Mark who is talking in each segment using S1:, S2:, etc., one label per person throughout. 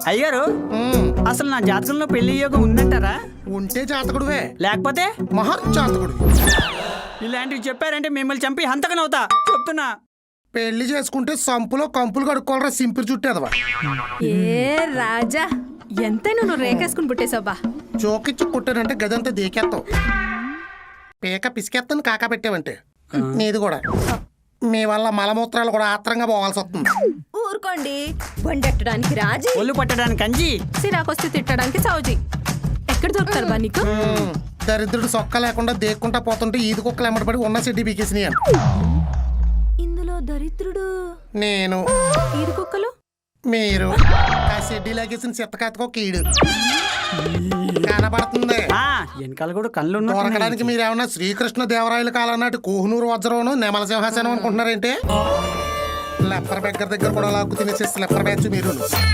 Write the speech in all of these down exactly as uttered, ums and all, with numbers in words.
S1: అయ్యారు అసలు నా జాతకంలో పెళ్లి యోగం ఉందంటారా?
S2: ఉంటే జాతకుడువే,
S1: లేకపోతే
S2: మహా జాతకుడు.
S1: ఇలాంటివి చెప్పారంటే మిమ్మల్ని చంపి హంతకనవుతా చెప్తున్నా.
S2: పెళ్లి చేసుకుంటే సంపులో కంపులు కడుక్కోవాలరా సింపుల్ చుట్టేదవా.
S3: ఏ రాజా, ఎంతైనా నువ్వు రేకేసుకుని పుట్టేశావా?
S2: చోకిచ్చి కుట్టానంటే గదంతా దేకేస్తావు, పీక పిసికేస్తాను కాకా పెట్టావంటే. నీది కూడా మీ వల్ల మలమూత్రాలు కూడా ఆత్రంగా పోవాల్సి వస్తుంది.
S3: ఊరుకోండి, వండెట్టడానికి రాజీ,
S1: ఒళ్ళు పట్టడానికి కంజి,
S3: సిరాకొస్తే తిట్టడానికి సౌజీ. ఎక్కడ దొరుకుతారు బా నీకు?
S2: దరిద్రుడు సొక్క లేకుండా దేక్కుంటా పోతుంటే ఈది కుక్కలు ఎమ్మడబడి ఉన్న సిడ్డి బీకేసినాయి.
S3: ఇందులో దరిద్రుడు
S2: నేను,
S3: ఈది కుక్కలు
S2: మీరు. ఆ సిడ్డి లాగేసిన చిత్తకాతకో కీడు కనబడుతుంది.
S1: వెనకాల కూడా కళ్ళు
S2: దొరకడానికి మీరేమన్నా శ్రీకృష్ణ దేవరాయల కాలం నాటి కోహనూరు వజ్రవను నెమల సింహాసనం అనుకుంటున్నారేంటి? లెప్పర్ బెగ్గర దగ్గర కూడా లాక్కు తినేసే లెప్పర్ బ్యాచ్ మీరు.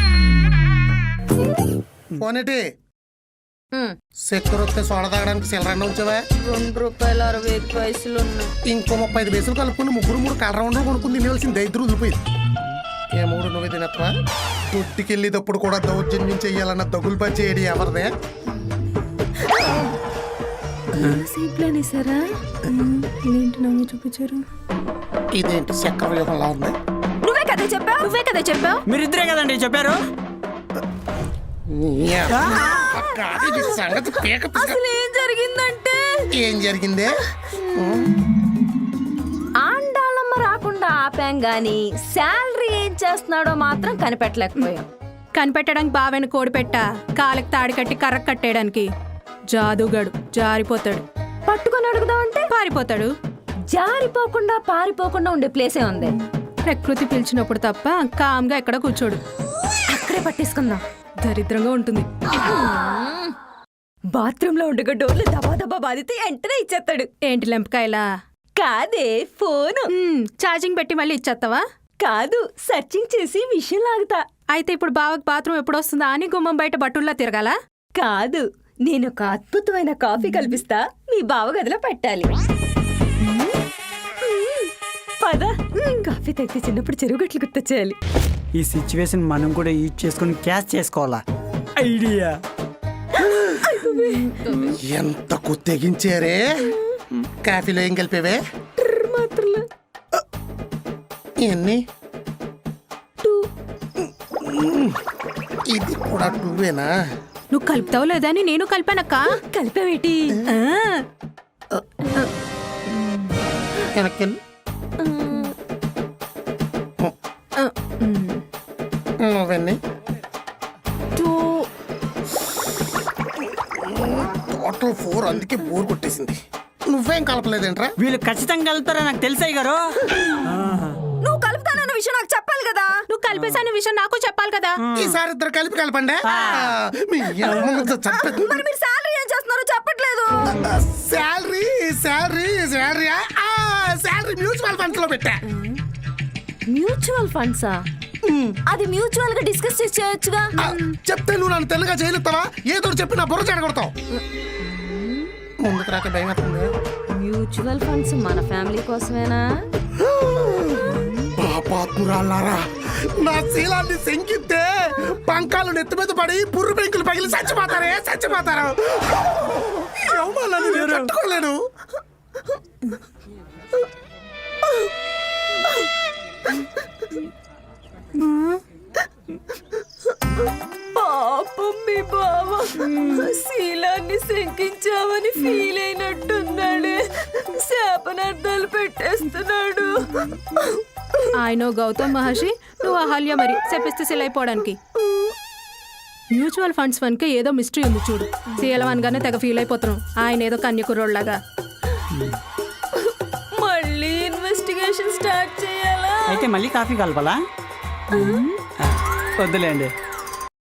S2: పోనేటి సెక్యూర్ వస్తే సోడ తాగడానికి సిల్లరన్న ఉంచావా?
S3: రెండు రూపాయలు అరవై ఐదు పైసలు ఉన్నాయి.
S2: ఇంకో ముప్పై ఐదు పైసలు కలుపుకుని ముగ్గురు మూడు కలర్ రౌండ్లు కొనుక్కుని తినేవలసిన దైద్రు వదిలిపోయింది. ఏ మూడు నువ్వే తినత్వా? దొడ్డికెళ్ళేటప్పుడు కూడా దౌర్జన్యం చెయ్యాలన్న దగులు పని చేయడి ఎవరిదే?
S3: చూపించారు.
S2: ఇదేంటి చక్ర వ్యూహంలా ఉంది?
S3: నువ్వే కదా చెప్పావు, నువ్వే కదా చెప్పావు.
S1: మీరిద్దరే కదండి చెప్పారు.
S3: అసలు ఏం జరిగిందంటే,
S2: ఏం జరిగిందే?
S3: ఆండాళమ్మ రాకుండా ఆపాం గాని శాలరీ ఏం చేస్తున్నాడో మాత్రం కనిపెట్టలేకపోయాం. కనిపెట్టడానికి బావైన కోడి పెట్ట కాళ్ళకి తాడి కట్టి కర్ర కట్టేయడానికి. జాదుగాడు జారిపోతాడు, పట్టుకొని అడుగుదామంటే పారిపోతాడు. జారిపోకుండా పారిపోకుండా ఉండే ప్లేసే ఉంది. ప్రకృతి పిలిచినప్పుడు తప్ప కామ్గా ఎక్కడ కూర్చోడు. అక్కడే పట్టేసుకుందాం, దరిద్రంగా ఉంటుంది. బాత్రూమ్ లో ఉండగా డోర్లు దబా దబా బాధితే వెంటనే ఇచ్చేస్తాడు. ఏంటి లెంపకాయలా? కాదే, ఫోను. ఛార్జింగ్ పెట్టి మళ్ళీ ఇచ్చేస్తావా? కాదు, సర్చింగ్ చేసి విషయం లాగుతా. అయితే ఇప్పుడు బావకి బాత్రూమ్ ఎప్పుడు వస్తుందా అని గుమ్మం బయట బట్టుల్లా తిరగాల? కాదు, నేను ఒక అద్భుతమైన కాఫీ కల్పిస్తా, మీ బావ గదిలో పెట్టాలి. పద, కాఫీ తాగితే చిన్నప్పుడు చెరువుగట్లు గుర్తొచ్చేయాలి.
S1: ఈ సిచ్యువేషన్ మనం కూడా యూజ్ చేసుకుని క్యాష్ చేసుకోవాలా? ఐడియా.
S2: ఎంత తెగించారే. కాఫీలో ఏం కలిపేవే?
S3: మాత్రలు
S2: ఎన్ని? ఇది కూడా టూవేనా?
S3: నువ్వు కలుపుతావు లేదా అని నేను కలిపానక్క. కలిపావేటి?
S2: వెనక్కి నువ్వెన్ని? Total four. అందుకే బోర్ కొట్టేసింది. నువ్వేం కలపలేదేంట్రా?
S1: వీళ్ళు ఖచ్చితంగా కలుపుతారా నాకు తెలుసాయి గారు.
S3: నువ్వు కలుపుతానన్న విషయం నాకు చెప్పాలి కదా. నువ్వు కలిపేసాన విషయం నాకు చెప్పాలి కదా.
S2: ఈసారి ఇద్దరు కలిపి కలపండి.
S3: మరి మీరు శాలరీ ఏం చేస్తున్నారో చెప్పట్లేదు.
S2: Salary salary salary salary mutual funds లో పెట్టా.
S3: మ్యూచువల్ ఫండ్సా? అది మ్యూచువల్ గా డిస్కస్ చేసి చేయొచ్చుగా.
S2: చెప్తే నువ్వు నన్ను తెలుగుగా చేయలేస్తావా? ఏదో చెప్పి నా బుర్ర చెడగొడతావు. ముందుకు రాక భయం అవుతుంది.
S3: మ్యూచువల్ ఫండ్స్ మన ఫ్యామిలీ కోసమేనా?
S2: పాపాత్మురాలారా, నా శీలాన్ని శంకిస్తే పంకాలు నెత్తి మీద పడి పుర్రు పెంకులు పగిలి చచ్చిపోతారే చచ్చిపోతారు. తట్టుకోలేను.
S3: పాపం మీ బావ శీలాన్ని శంకించామని ఫీల్ అయినట్టున్నాడు. శాపనార్థాలు పెట్టేస్తున్నాడు. ఆయన గౌతమ్ మహర్షి, నువ్వు అహల్య మరి చెప్పిస్తే సిలైపోవడానికి. మ్యూచువల్ ఫండ్స్ వన్కే ఏదో మిస్టరీ ఉంది చూడు. శీలవన్గానే తెగ ఫీల్ అయిపోతున్నాం. ఆయన ఏదో కన్యకుర్రోళ్ళగా. మళ్ళీ ఇన్వెస్టిగేషన్ స్టార్ట్ చేయాలా?
S1: అయితే మళ్ళీ కాఫీ కలపాలా? వద్దులేండి.